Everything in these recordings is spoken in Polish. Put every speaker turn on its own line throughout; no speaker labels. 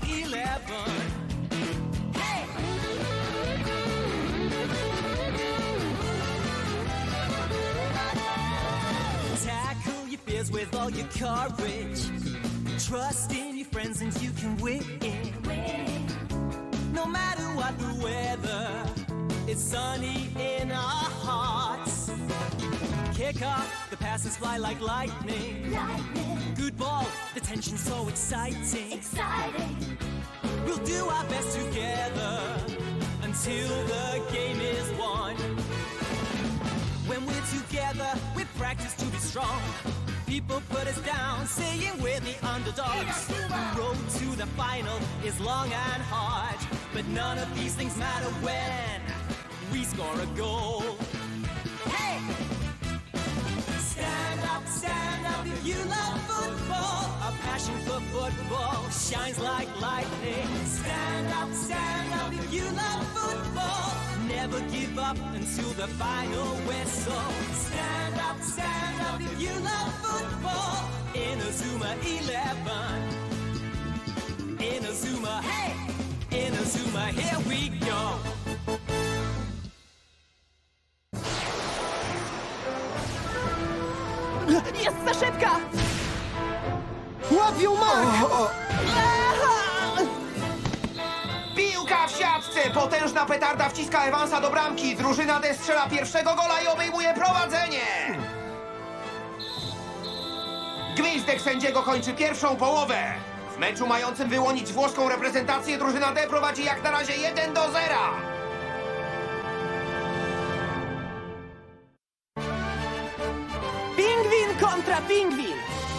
11. Hey! Tackle your fears with all your courage. Trust in your friends and you can win. No matter what the weather, it's sunny in our hearts. Kick off, the passes fly like lightning. Good ball, the tension's so exciting. We'll do our best together until the game is won. When we're together, we practice to be strong. People put us down, saying we're the underdogs. The road to the final is long and hard, but none of these things matter when we score a goal. Hey! Stand up if you love football. Our passion for football shines like lightning. Stand up if you love football. Never give up until the final whistle. Stand up if you love football. In Azuma 11. In Azuma, hey! In Azuma, here we go.
Jest za szybka!
Łapią Mark!
Piłka w siatce! Potężna petarda wciska Evansa do bramki. Drużyna D strzela pierwszego gola i obejmuje prowadzenie. Gwizdek sędziego kończy pierwszą połowę. W meczu mającym wyłonić włoską reprezentację drużyna D prowadzi jak na razie 1-0.
Pingwin kontra pingwin!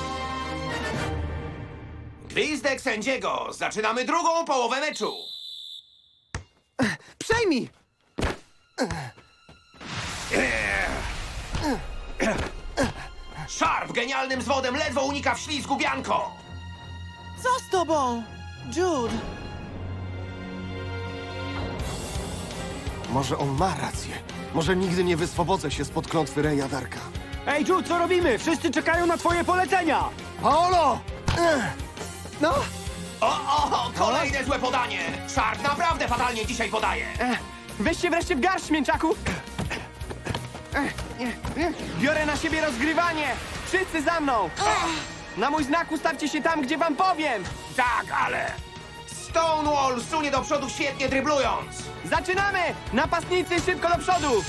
Gwizdek sędziego. Zaczynamy drugą połowę meczu.
Przejmij!
Sharp genialnym zwodem ledwo unika wślizgu Bianco.
Co z tobą, Jude?
Może on ma rację. Może nigdy nie wyswobodzę się spod klątwy Reja Darka.
Ej, Jude, co robimy? Wszyscy czekają na twoje polecenia!
Paolo! No,
O, kolejne złe podanie. Sharp naprawdę fatalnie dzisiaj podaje.
Weź się wreszcie w garść, mięczaku! Biorę na siebie rozgrywanie! Wszyscy za mną! Na mój znak ustawcie się tam, gdzie wam powiem!
Tak, ale... Stonewall sunie do przodu świetnie dryblując.
Zaczynamy! Napastnicy, szybko do przodu!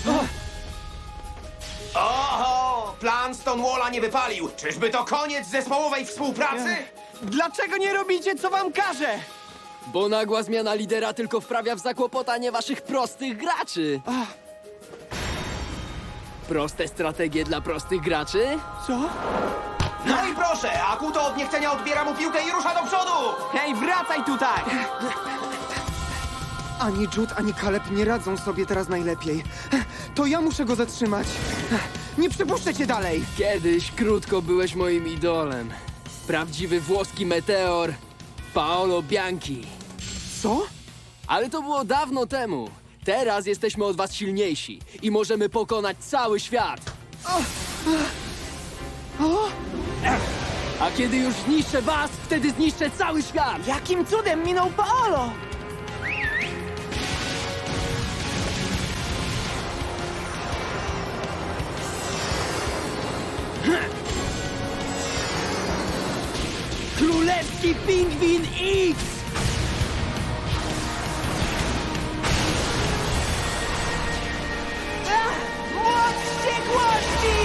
Oho, plan Stonewalla nie wypalił. Czyżby to koniec zespołowej współpracy?
Dlaczego nie robicie, co wam każę?
Bo nagła zmiana lidera tylko wprawia w zakłopotanie waszych prostych graczy. Proste strategie dla prostych graczy?
Co?
No i proszę, Akuto od niechcenia odbiera mu piłkę i rusza do przodu.
Hej, wracaj tutaj!
ani Jude, ani Caleb nie radzą sobie teraz najlepiej. To ja muszę go zatrzymać. Nie przepuszczę cię dalej.
Kiedyś krótko byłeś moim idolem. Prawdziwy włoski meteor Paolo Bianchi.
Co?
Ale to było dawno temu. Teraz jesteśmy od was silniejsi i możemy pokonać cały świat. A kiedy już zniszczę was, wtedy zniszczę cały świat.
Jakim cudem minął Paolo?
Królewski Pingwin X!
Moc wściekłości!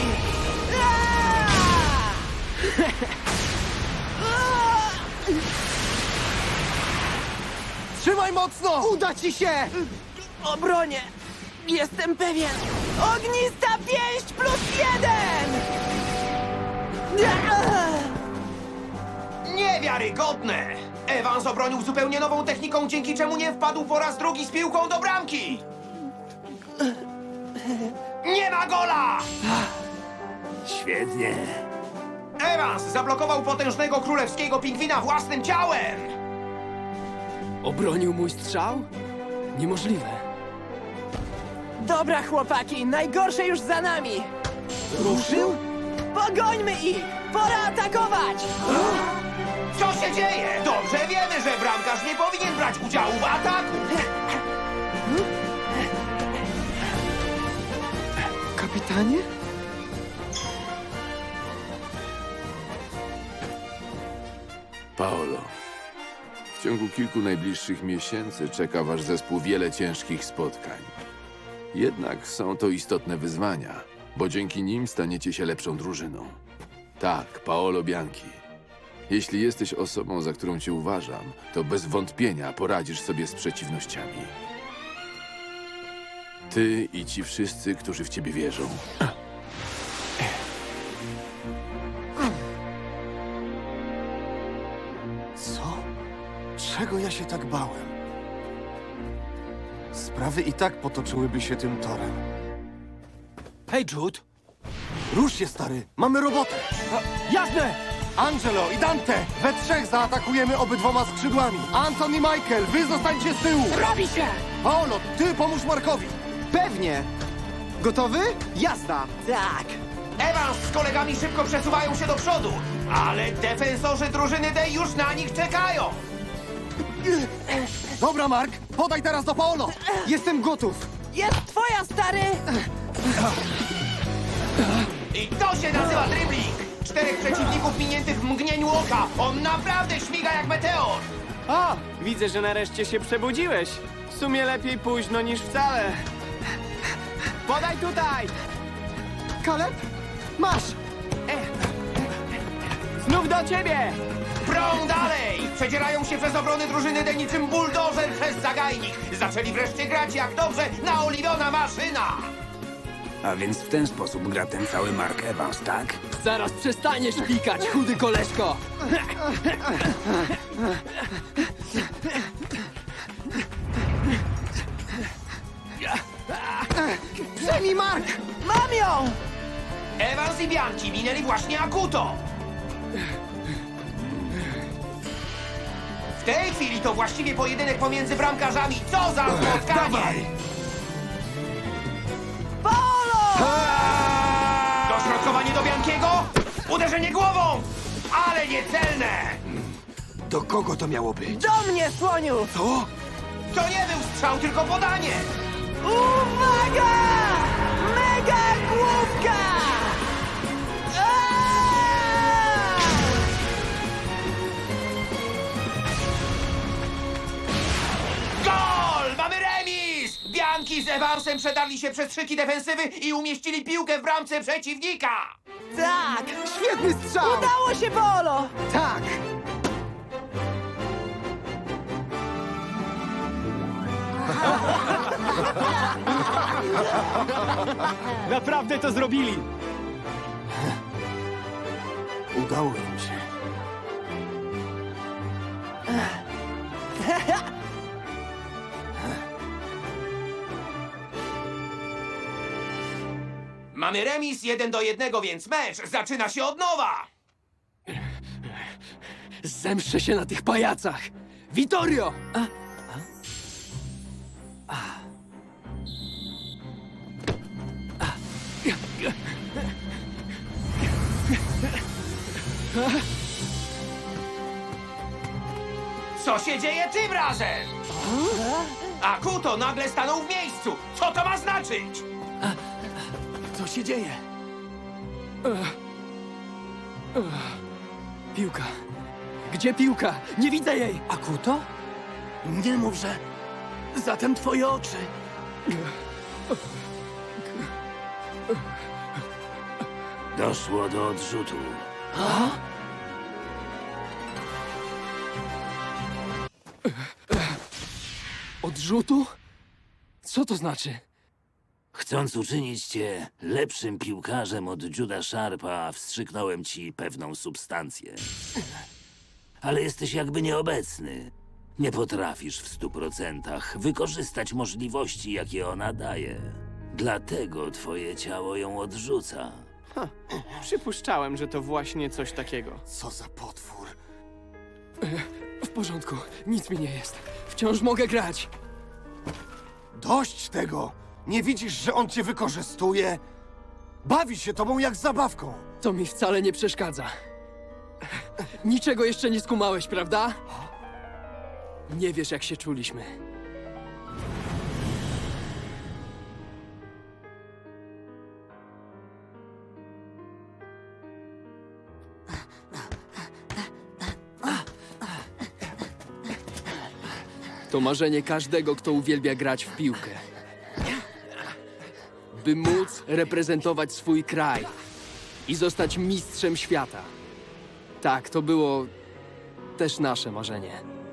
Trzymaj mocno! Uda ci się!
Obronie! Jestem pewien! Ognista pięść +1!
Niewiarygodne! Evans obronił zupełnie nową techniką, dzięki czemu nie wpadł po raz drugi z piłką do bramki! Nie ma gola!
Świetnie.
Evans zablokował potężnego królewskiego pingwina własnym ciałem!
Obronił mój strzał? Niemożliwe.
Dobra, chłopaki, najgorsze już za nami!
Ruszył?
Pogońmy ich! Pora atakować!
Co się dzieje? Dobrze wiemy, że bramkarz nie powinien brać udziału w ataku.
Kapitanie?
Paolo, w ciągu kilku najbliższych miesięcy czeka wasz zespół wiele ciężkich spotkań. Jednak są to istotne wyzwania, bo dzięki nim staniecie się lepszą drużyną. Tak, Paolo Bianchi. Jeśli jesteś osobą, za którą cię uważam, to bez wątpienia poradzisz sobie z przeciwnościami. Ty i ci wszyscy, którzy w ciebie wierzą.
Co? Czego ja się tak bałem? Sprawy i tak potoczyłyby się tym torem. Hej, Jude! Rusz się, stary! Mamy robotę!
Jasne!
Angelo i Dante! We trzech zaatakujemy obydwoma skrzydłami! Anton i Michael, wy zostańcie z tyłu!
Robi się!
Paolo, ty pomóż Markowi!
Pewnie! Gotowy?
Jazda! Tak!
Evans z kolegami szybko przesuwają się do przodu, ale defensorzy drużyny D już na nich czekają.
Dobra, Mark, podaj teraz do Paolo!
Jestem gotów!
Jest twoja, stary!
I to się nazywa dribbling. 4 przeciwników miniętych w mgnieniu oka. On naprawdę śmiga jak meteor.
O, widzę, że nareszcie się przebudziłeś. W sumie lepiej późno niż wcale. Podaj tutaj!
Kaleb? Masz!
Znów do ciebie!
Prą dalej! Przedzierają się przez obrony drużyny D niczym buldożer przez zagajnik. Zaczęli wreszcie grać jak dobrze naoliwiona maszyna.
A więc w ten sposób gra ten cały Mark Evans, tak?
Zaraz przestaniesz pikać, chudy koleżko!
Przejmij, Mark!
Mam ją!
Evans i Bianchi minęli właśnie Akuto. W tej chwili to właściwie pojedynek pomiędzy bramkarzami. Co za spotkanie!
Paolo!
Dośrodkowanie do Bianchiego. Uderzenie głową! Ale niecelne!
Do kogo to miało być?
Do mnie, słoniu!
To nie był strzał, tylko podanie!
Uwaga! Mega główka! Aaaa!
Gol! Mamy remis! Bianchi z Evansem przedarli się przez szyki defensywy i umieścili piłkę w bramce przeciwnika!
Tak!
Świetny strzał!
Udało się, Paolo!
Tak!
Naprawdę to zrobili!
Udało im się.
Mamy remis 1-1, więc mecz zaczyna się od nowa!
Zemszczę się na tych pajacach! Vittorio!
Co się dzieje tym razem? Akuto nagle stanął w miejscu! Co to ma znaczyć?
Co się dzieje? Piłka. Gdzie piłka? Nie widzę jej!
Akuto? Nie mów, że... Zatem twoje oczy. Doszło do odrzutu.
Odrzutu? Co to znaczy?
Chcąc uczynić cię lepszym piłkarzem od Juda Sharpa, wstrzyknąłem ci pewną substancję. Ale jesteś jakby nieobecny. Nie potrafisz w 100% wykorzystać możliwości, jakie ona daje. Dlatego twoje ciało ją odrzuca.
Przypuszczałem, że to właśnie coś takiego.
Co za potwór.
W porządku, nic mi nie jest. Wciąż mogę grać.
Dość tego! Nie widzisz, że on cię wykorzystuje? Bawi się tobą jak zabawką.
To mi wcale nie przeszkadza. Niczego jeszcze nie skumałeś, prawda? Nie wiesz, jak się czuliśmy. To marzenie każdego, kto uwielbia grać w piłkę. By móc reprezentować swój kraj i zostać mistrzem świata. Tak, to było też nasze marzenie.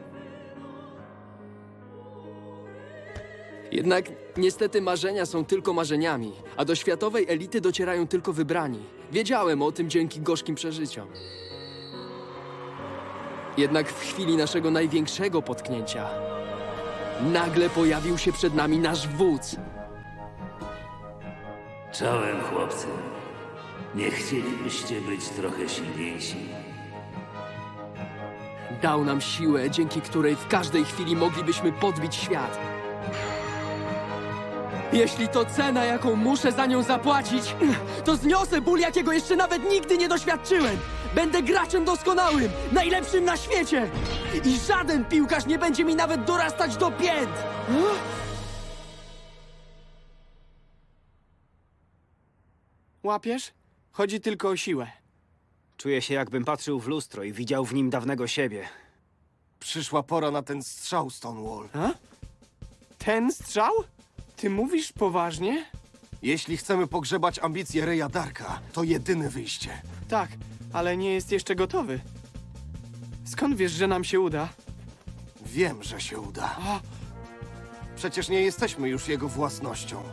Jednak niestety marzenia są tylko marzeniami, a do światowej elity docierają tylko wybrani. Wiedziałem o tym dzięki gorzkim przeżyciom. Jednak w chwili naszego największego potknięcia nagle pojawił się przed nami nasz wódz.
Czołem, chłopcy. Nie chcielibyście być trochę silniejsi?
Dał nam siłę, dzięki której w każdej chwili moglibyśmy podbić świat. Jeśli to cena, jaką muszę za nią zapłacić, to zniosę ból, jakiego jeszcze nawet nigdy nie doświadczyłem. Będę graczem doskonałym, najlepszym na świecie. I żaden piłkarz nie będzie mi nawet dorastać do pięt.
Łapiesz? Chodzi tylko o siłę.
Czuję się, jakbym patrzył w lustro i widział w nim dawnego siebie.
Przyszła pora na ten strzał, Stonewall.
Ten strzał? Ty mówisz poważnie?
Jeśli chcemy pogrzebać ambicje Reya Darka, to jedyne wyjście.
Tak, ale nie jest jeszcze gotowy. Skąd wiesz, że nam się uda?
Wiem, że się uda. Przecież nie jesteśmy już jego własnością.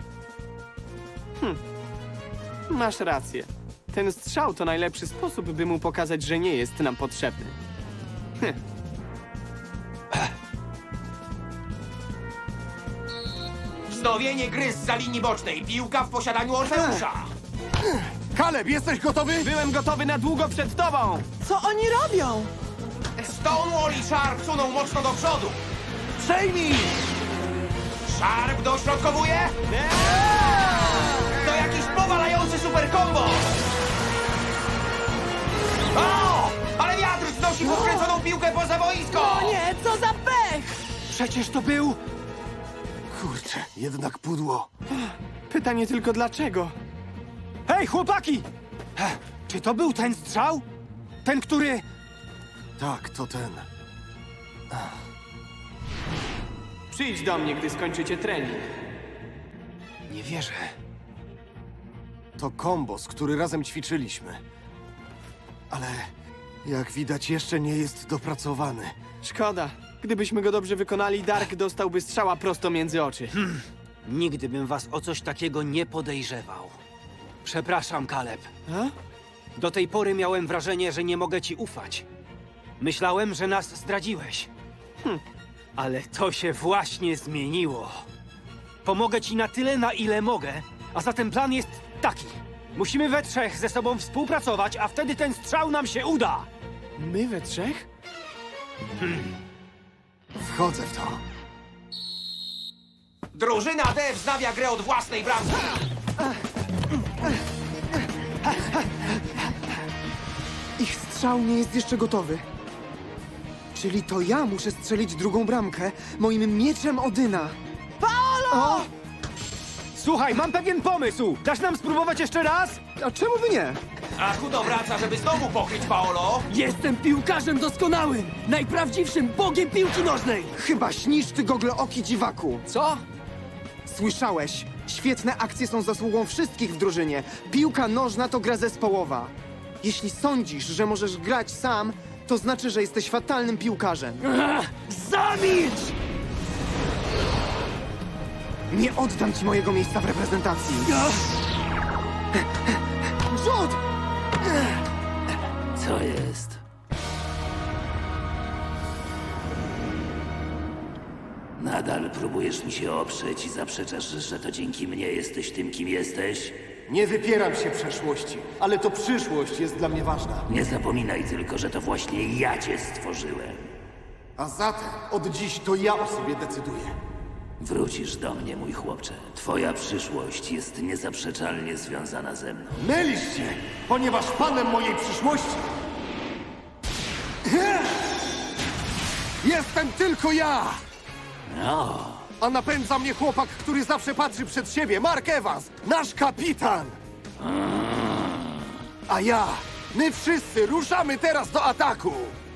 Masz rację. Ten strzał to najlepszy sposób, by mu pokazać, że nie jest nam potrzebny.
Wznowienie gry zza linii bocznej. Piłka w posiadaniu Orfeusza.
Kaleb, jesteś gotowy?
Byłem gotowy na długo przed tobą!
Co oni robią?
Stonewall i Sharp suną mocno do przodu.
Przejmij!
Sharp dośrodkowuje. To jakiś powalający super combo. O! Ale wiatr znosi podkręconą piłkę poza boisko.
O nie, co za pech!
Przecież to był... Kurczę, jednak pudło.
Pytanie tylko dlaczego?
Hej, chłopaki! Czy to był ten strzał? Ten, który...
Tak, to ten.
Przyjdź do mnie, gdy skończycie trening.
Nie wierzę. To kombos, który razem ćwiczyliśmy. Ale jak widać, jeszcze nie jest dopracowany.
Szkoda. Gdybyśmy go dobrze wykonali, Dark dostałby strzała prosto między oczy.
Nigdy bym was o coś takiego nie podejrzewał. Przepraszam, Kaleb. Do tej pory miałem wrażenie, że nie mogę ci ufać. Myślałem, że nas zdradziłeś. Ale to się właśnie zmieniło. Pomogę ci na tyle, na ile mogę, a zatem plan jest taki. Musimy we trzech ze sobą współpracować, a wtedy ten strzał nam się uda.
My we trzech?
Wchodzę w to.
Drużyna D wznawia grę od własnej bramki.
Ich strzał nie jest jeszcze gotowy. Czyli to ja muszę strzelić drugą bramkę moim mieczem Odyna.
Paolo!
Słuchaj, mam pewien pomysł. Dasz nam spróbować jeszcze raz?
A czemu by nie?
A Hudo wraca, żeby znowu pokryć Paolo.
Jestem piłkarzem doskonałym! Najprawdziwszym bogiem piłki nożnej!
Chyba śnisz, ty goglooki dziwaku.
Co?
Słyszałeś? Świetne akcje są zasługą wszystkich w drużynie. Piłka nożna to gra zespołowa. Jeśli sądzisz, że możesz grać sam, to znaczy, że jesteś fatalnym piłkarzem.
Zamilcz!
Nie oddam ci mojego miejsca w reprezentacji. Rzut!
Co jest? Nadal próbujesz mi się oprzeć i zaprzeczasz, że to dzięki mnie jesteś tym, kim jesteś?
Nie wypieram się przeszłości, ale to przyszłość jest dla mnie ważna.
Nie zapominaj tylko, że to właśnie ja cię stworzyłem.
A zatem od dziś to ja o sobie decyduję.
Wrócisz do mnie, mój chłopcze. Twoja przyszłość jest niezaprzeczalnie związana ze mną.
Mylisz się, ponieważ panem mojej przyszłości Jestem tylko ja!
No,
A napędza mnie chłopak, który zawsze patrzy przed siebie, Mark Evans, nasz kapitan! A ja, my wszyscy ruszamy teraz do ataku!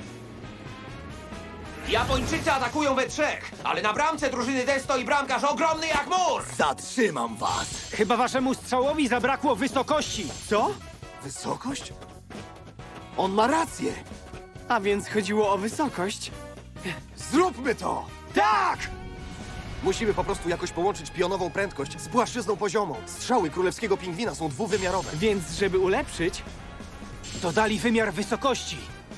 Japończycy atakują we trzech, ale na bramce drużyny D stoi bramkarz ogromny jak mur!
Zatrzymam was!
Chyba waszemu strzałowi zabrakło wysokości.
Co?
Wysokość? On ma rację!
A więc chodziło o wysokość?
Zróbmy to! Tak! Musimy po prostu jakoś połączyć pionową prędkość z płaszczyzną poziomą. Strzały królewskiego pingwina są dwuwymiarowe.
Więc, żeby ulepszyć,
Dodali wymiar wysokości.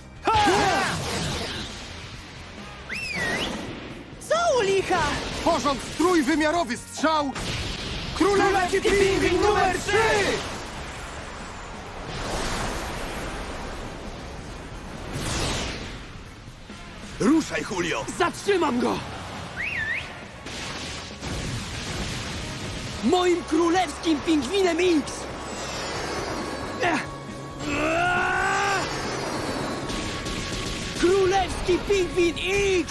Co u licha?
Porząd trójwymiarowy strzał! Królewski pingwin numer 3! Ruszaj, Julio!
Zatrzymam go! Moim królewskim pingwinem X! Królewski pingwin X!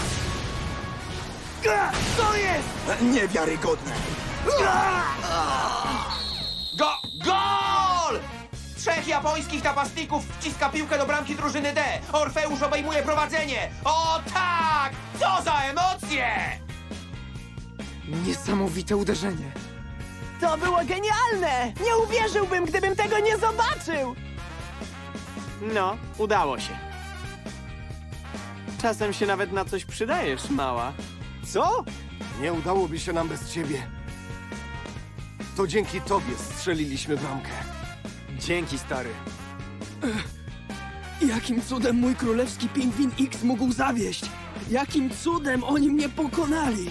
Co jest?
Niewiarygodne!
Gol! Trzech japońskich napastników wciska piłkę do bramki drużyny D. Orfeusz obejmuje prowadzenie. O tak! Co za emocje!
Niesamowite uderzenie.
To było genialne! Nie uwierzyłbym, gdybym tego nie zobaczył!
no, udało się. Czasem się nawet na coś przydajesz, mała.
Co?
Nie udałoby się nam bez ciebie. To dzięki tobie strzeliliśmy bramkę.
Dzięki, stary.
Jakim cudem mój królewski pingwin X mógł zawieść? Jakim cudem oni mnie pokonali?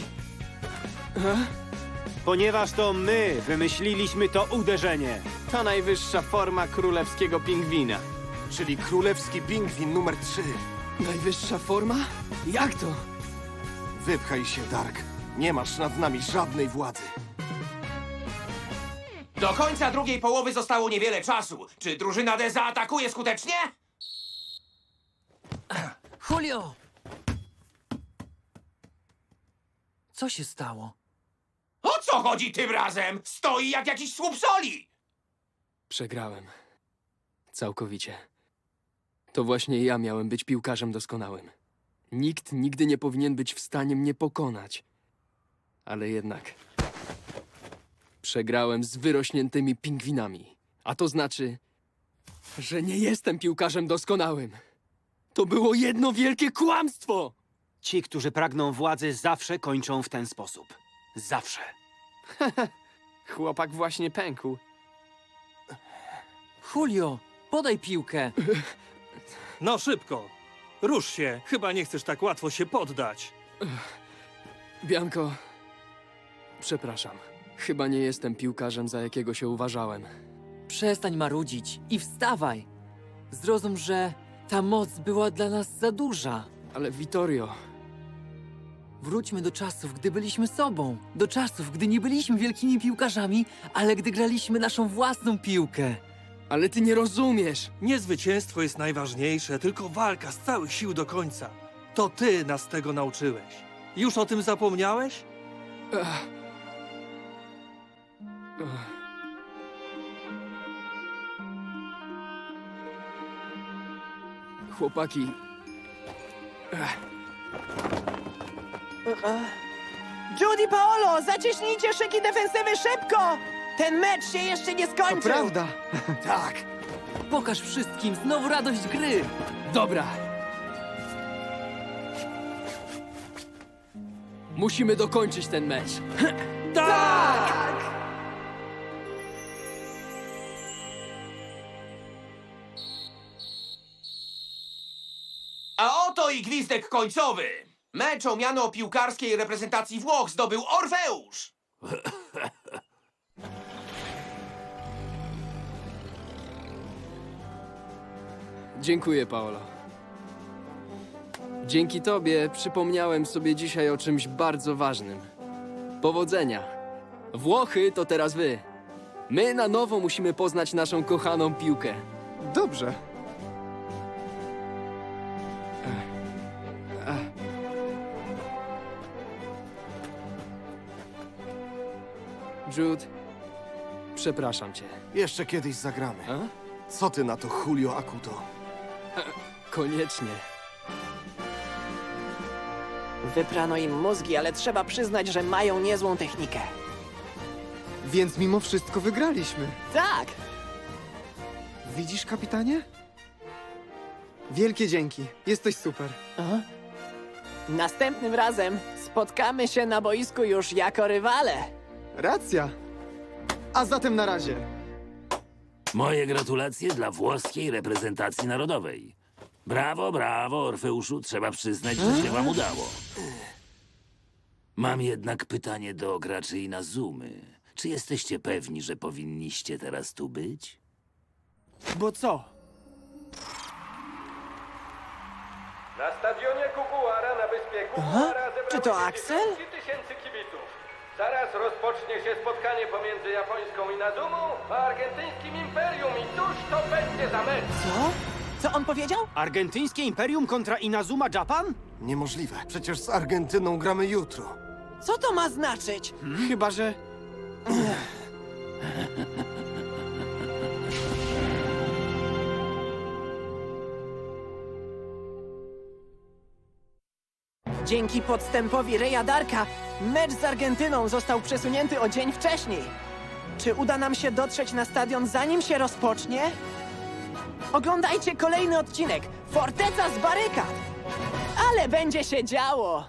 Ponieważ to my wymyśliliśmy to uderzenie.
To najwyższa forma królewskiego pingwina.
Czyli królewski pingwin numer 3.
Najwyższa forma? Jak to?
Wypchaj się, Dark. Nie masz nad nami żadnej władzy.
Do końca drugiej połowy zostało niewiele czasu. Czy drużyna D zaatakuje skutecznie?
Julio! Co się stało?
O co chodzi tym razem? Stoi jak jakiś słup soli!
Przegrałem. Całkowicie. To właśnie ja miałem być piłkarzem doskonałym. Nikt nigdy nie powinien być w stanie mnie pokonać. Ale jednak... Przegrałem z wyrośniętymi pingwinami. A to znaczy, że nie jestem piłkarzem doskonałym. To było jedno wielkie kłamstwo!
Ci, którzy pragną władzy, zawsze kończą w ten sposób. Zawsze.
Chłopak właśnie pękł.
Julio, podaj piłkę.
No szybko. Rusz się. Chyba nie chcesz tak łatwo się poddać.
Bianko, przepraszam. Chyba nie jestem piłkarzem, za jakiego się uważałem.
Przestań marudzić i wstawaj. Zrozum, że ta moc była dla nas za duża.
Ale Vittorio...
Wróćmy do czasów, gdy byliśmy sobą. Do czasów, gdy nie byliśmy wielkimi piłkarzami, ale gdy graliśmy naszą własną piłkę.
Ale ty nie rozumiesz!
Nie zwycięstwo jest najważniejsze, tylko walka z całych sił do końca. To ty nas tego nauczyłeś. Już o tym zapomniałeś?
Chłopaki...
Judy, Paolo, zacieśnijcie szyki defensywy szybko! Ten mecz się jeszcze nie
To
skończył!
prawda.
Tak!
Pokaż wszystkim znowu radość gry.
Dobra. Musimy dokończyć ten mecz.
A oto i gwizdek końcowy. Mecz o miano piłkarskiej reprezentacji Włoch zdobył Orfeusz.
Dziękuję, Paolo. Dzięki tobie przypomniałem sobie dzisiaj o czymś bardzo ważnym. Powodzenia. Włochy to teraz wy. My na nowo musimy poznać naszą kochaną piłkę.
Dobrze.
Jude, przepraszam cię.
Jeszcze kiedyś zagramy.
A?
Co ty na to, Julio Akuto?
Koniecznie.
Wyprano im mózgi, ale trzeba przyznać, że mają niezłą technikę.
Więc mimo wszystko wygraliśmy.
Tak!
Widzisz, kapitanie? Wielkie dzięki. Jesteś super.
Aha. Następnym razem spotkamy się na boisku już jako rywale.
Racja. A zatem na razie.
Moje gratulacje dla włoskiej reprezentacji narodowej. Brawo, brawo, Orfeuszu, trzeba przyznać, że się wam udało. Mam jednak pytanie do graczy Inazumy. Czy jesteście pewni, że powinniście teraz tu być?
Bo co?
Na stadionie Kukuara na wyspie Kukuara
Czy to Axel?
10 tysięcy kibiców. Zaraz rozpocznie się spotkanie pomiędzy japońską Inazumą a argentyńskim Imperium i cóż to będzie za mecz?
Co? Co on powiedział?
Argentyńskie Imperium kontra Inazuma Japan?
Niemożliwe. Przecież z Argentyną gramy jutro.
Co to ma znaczyć?
Chyba, że...
Dzięki podstępowi Reya Darka mecz z Argentyną został przesunięty o dzień wcześniej. Czy uda nam się dotrzeć na stadion, zanim się rozpocznie? Oglądajcie kolejny odcinek Forteca z barykad! Ale będzie się działo!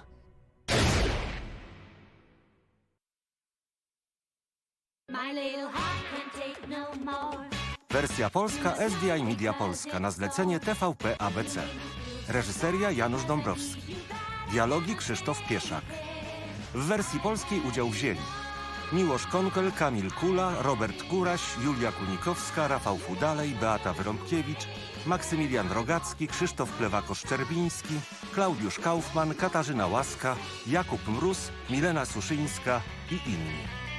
Wersja polska SDI Media Polska na zlecenie TVP ABC. Reżyseria Janusz Dąbrowski. Dialogi Krzysztof Pieszak. W wersji polskiej udział wzięli Miłosz Konkel, Kamil Kula, Robert Kuraś, Julia Kunikowska, Rafał Fudalej, Beata Wyrąbkiewicz, Maksymilian Rogacki, Krzysztof Plewakosz-Czerbiński, Klaudiusz Kaufman, Katarzyna Łaska, Jakub Mróz, Milena Suszyńska i inni.